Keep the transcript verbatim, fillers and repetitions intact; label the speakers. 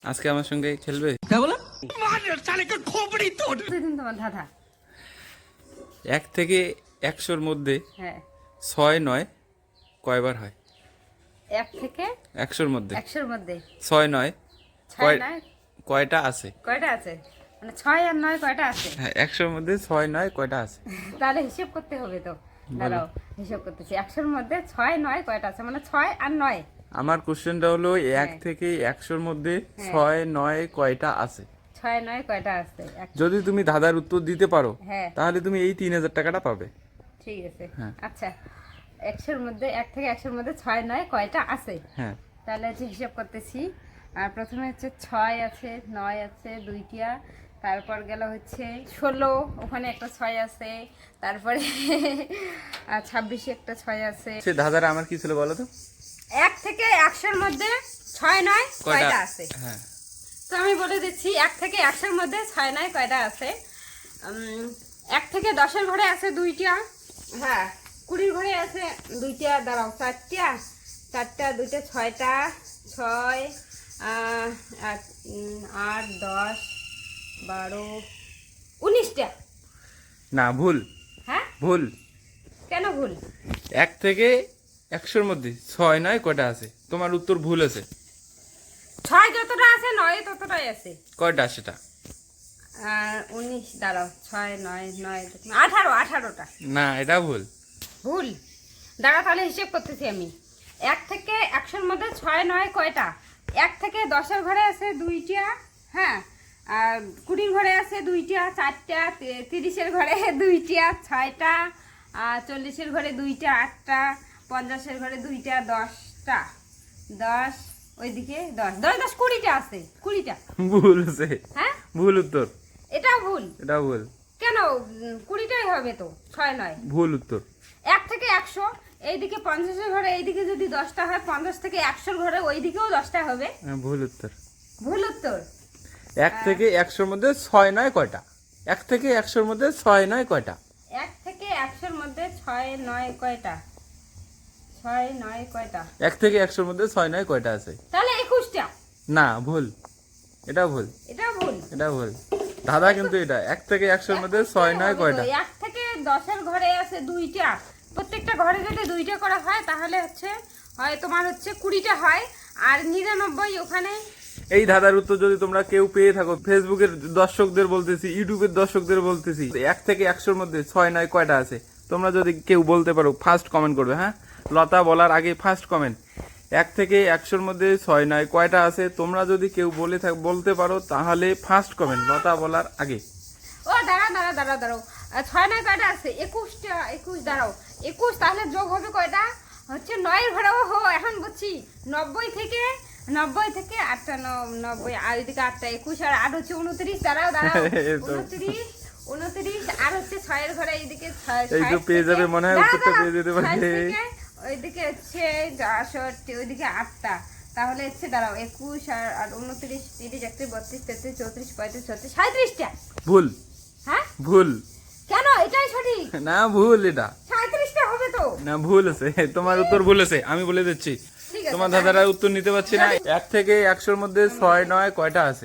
Speaker 1: আজকে আমার সঙ্গে খেলবে?
Speaker 2: তোমার দাদা
Speaker 1: এক থেকে একশোর মধ্যে
Speaker 2: হ্যাঁ
Speaker 1: ছয় নয় কয়বার হয়?
Speaker 2: এক থেকে
Speaker 1: একশোর মধ্যে
Speaker 2: একশোর মধ্যে
Speaker 1: ছয় নয়
Speaker 2: ছয়
Speaker 1: কয়-
Speaker 2: নয়
Speaker 1: কয়টা আছে?
Speaker 2: কয়টা আছে? মানে ছয় আর নয় কয়টা আছে?
Speaker 1: হ্যাঁ, একশোর মধ্যে ছয় নয় কয়টা আছে?
Speaker 2: তাহলে হিসেব করতে হবে তো। দাঁড়াও হিসেব করতেছি। একশোর মধ্যে ছয় নয় কয়টা আছে? মানে ছয় আর নয়।
Speaker 1: আমার কোশ্চেনটা হলো এক
Speaker 2: হ্যাঁ।
Speaker 1: থেকে একশোর মধ্যে
Speaker 2: হ্যাঁ।
Speaker 1: ছয় নয় কয়টা আছে?
Speaker 2: ছয় নয় কয়টা আছে? এক-
Speaker 1: যদি তুমি ধাঁধার উত্তর দিতে পারো
Speaker 2: হ্যাঁ
Speaker 1: তাহলে তুমি এই তিন হাজার টাকাটা পাবে।
Speaker 2: ঠিক আছে।
Speaker 1: হ্যাঁ।
Speaker 2: আচ্ছা, একশোর মধ্যে এক থেকে একশোর মধ্যে ছয় নয় কয়টা আছে?
Speaker 1: হ্যাঁ,
Speaker 2: তাহলে হচ্ছে হিসাব করতেছি। আর প্রথমে হচ্ছে ছয় আছে, নয় আছে দুইটা, তারপর গেল হচ্ছে ষোলো, ওখানে একটা ছয় আছে, তারপরে আর ছাব্বিশে একটা ছয় আছে।
Speaker 1: সে ধাঁধাটা আমার কি ছিল বলো তো?
Speaker 2: এক থেকে একশোর মধ্যে ছয় নয় কয়টা আছে?
Speaker 1: হ্যাঁ,
Speaker 2: তো আমি বলে দিচ্ছি, এক থেকে একশোর মধ্যে ছয় নয় কয়টা আছে। উম, এক থেকে দশের ঘরে আছে দুইটা, হ্যাঁ কুড়ির ঘরে আছে দুইটা, দাঁড়াও চারটা, চারটা দুইটা ছয়টা, ছয় আহ, আট উম, আট দশ বারো উনিশটা।
Speaker 1: না ভুল,
Speaker 2: হ্যাঁ
Speaker 1: ভুল।
Speaker 2: কেন ভুল?
Speaker 1: এক থেকে একশোর মধ্যে ছয় নয় কয়টা আছে? তোমার উত্তর ভুল আছে।
Speaker 2: ছয় যতটা আছে নয় ততটাই আছে।
Speaker 1: কয়টা সেটা?
Speaker 2: আর উনিশ, দাঁড়াও ছয় নয় নয় আঠারো, আঠারোটা।
Speaker 1: না, এটা ভুল।
Speaker 2: ভুল? দাঁড়া তাহলে হিসেব করতেছি আমি। এক থেকে একশোর মধ্যে ছয় নয় কয়টা? এক থেকে দশের ঘরে আছে দুইটা, হ্যাঁ, আর কুড়ির ঘরে আছে দুইটা, চারটা, তি- তিরিশের ঘরে দুইটা, ছয়টা, আর চল্লিশের ঘরে দুইটা, আটটা, পঞ্চাশের ঘরে দুইটা, দশটা, দশ, ওইদিকে দশ, দশ দশ কুড়িটা আছে, কুড়িটা।
Speaker 1: ভুল আছে,
Speaker 2: হ্যাঁ
Speaker 1: ভুল উত্তর।
Speaker 2: এটাও ভুল?
Speaker 1: এটা ভুল।
Speaker 2: কেন? উম, কুড়িটাই হবে তো, ছয় নয়।
Speaker 1: ভুল উত্তর।
Speaker 2: এক থেকে একশো, এইদিকে পঞ্চাশের ঘরে এইদিকে যদি দশটা হয়, পঞ্চাশ থেকে একশোর ঘরে ওইদিকেও দশটা হবে।
Speaker 1: হ্যাঁ, ভুল উত্তর।
Speaker 2: ভুল উত্তর?
Speaker 1: এক থেকে একশোর মধ্যে ছয় নয় কয়টা? এক থেকে একশোর মধ্যে ছয় নয় কয়টা?
Speaker 2: এক থেকে একশোর মধ্যে ছয় নয় কয়টা? ছয় নয় কয়টা?
Speaker 1: এক থেকে একশোর মধ্যে ছয় নয় কয়টা আছে?
Speaker 2: তাহলে একুশটা।
Speaker 1: না, ভুল। এটা ভুল,
Speaker 2: এটা ভুল।
Speaker 1: এটা ভুল। দাদা কিন্তু এটা এক থেকে একশোর মধ্যে ছয় নয়
Speaker 2: হবে
Speaker 1: কয়টা?
Speaker 2: তো। এক থেকে দশের ঘরে আছে দুইটা, প্রত্যেকটা ঘরে যদি দুইটা করা হয় তাহলে হচ্ছে হয় তোমার হচ্ছে কুড়িটা হয়, আর নিরানব্বই ওখানে।
Speaker 1: এই ধাঁধার উত্তর যদি তোমরা কেউ পেয়ে থাকো, ফেসবুকের দর্শকদের বলতেছি, ইউটিউবের দর্শকদের বলতেছি, এক থেকে একশোর মধ্যে ছয় নয় কয়টা আছে, তোমরা যদি কেউ বলতে পারো ফার্স্ট কমেন্ট করবে। হ্যাঁ, লতা বলার আগে ফার্স্ট কমেন্ট, এক থেকে একশোর মধ্যে ছয় নয় কয়টা আছে, তোমরা যদি কেউ বলে থাক বলতে পারো তাহলে ফার্স্ট কমেন্ট লতা বলার আগে।
Speaker 2: ও দাঁড়া দাঁড়া দাঁড়াও দাঁড়াও, আহ, ছয় নয় কয়টা আছে? একুশটা। একুশ, দাঁড়াও, একুশ তাহলে যোগ হবে কয়টা? হচ্ছে নয়ের ঘরেও হো, এখন বুঝছি। নব্বই থেকে নব্বই থেকে আটটা, ন- নব্বই আর ওইদিকে আটটা, একুশ আর আট হচ্ছে উনত্রিশ। দাঁড়াও দাঁড়াও,
Speaker 1: এই তো।
Speaker 2: উনত্রিশ, উনত্রিশ আর হচ্ছে ছয়ের ঘরে এইদিকে ছয়,
Speaker 1: এই তো
Speaker 2: ষাট
Speaker 1: পেয়ে
Speaker 2: থেকে-
Speaker 1: যাবে মনে হয়,
Speaker 2: দাঁড়াও,
Speaker 1: উত্তরটা
Speaker 2: দাঁড়াও,
Speaker 1: পেয়ে যেতে পারে।
Speaker 2: ষাট থেকে ওইদিকে হচ্ছে আটষট্টি, ওইদিকে আটটা, তাহলে হচ্ছে দাঁড়াও একুশ আর আর উনত্রিশ, তিরিশ, একত্রিশ, বত্রিশ, তেত্রিশ, চৌত্রিশ, পঁয়ত্রিশ, ছত্রিশ, সাঁত্রিশটা।
Speaker 1: ভুল,
Speaker 2: হ্যাঁ
Speaker 1: ভুল।
Speaker 2: কেন? এটাই সঠিক।
Speaker 1: না, ভুল এটা।
Speaker 2: সাঁত্রিশটা হবে তো।
Speaker 1: না, ভুল আছে, তোমার উত্তর ভুল আছে, আমি বলে দিচ্ছি।
Speaker 2: ঠিক আছে,
Speaker 1: তোমার দাদারা উত্তর নিতে পারছি না। এক থেকে একশোর মধ্যে ছয় নয় কয়টা আছে?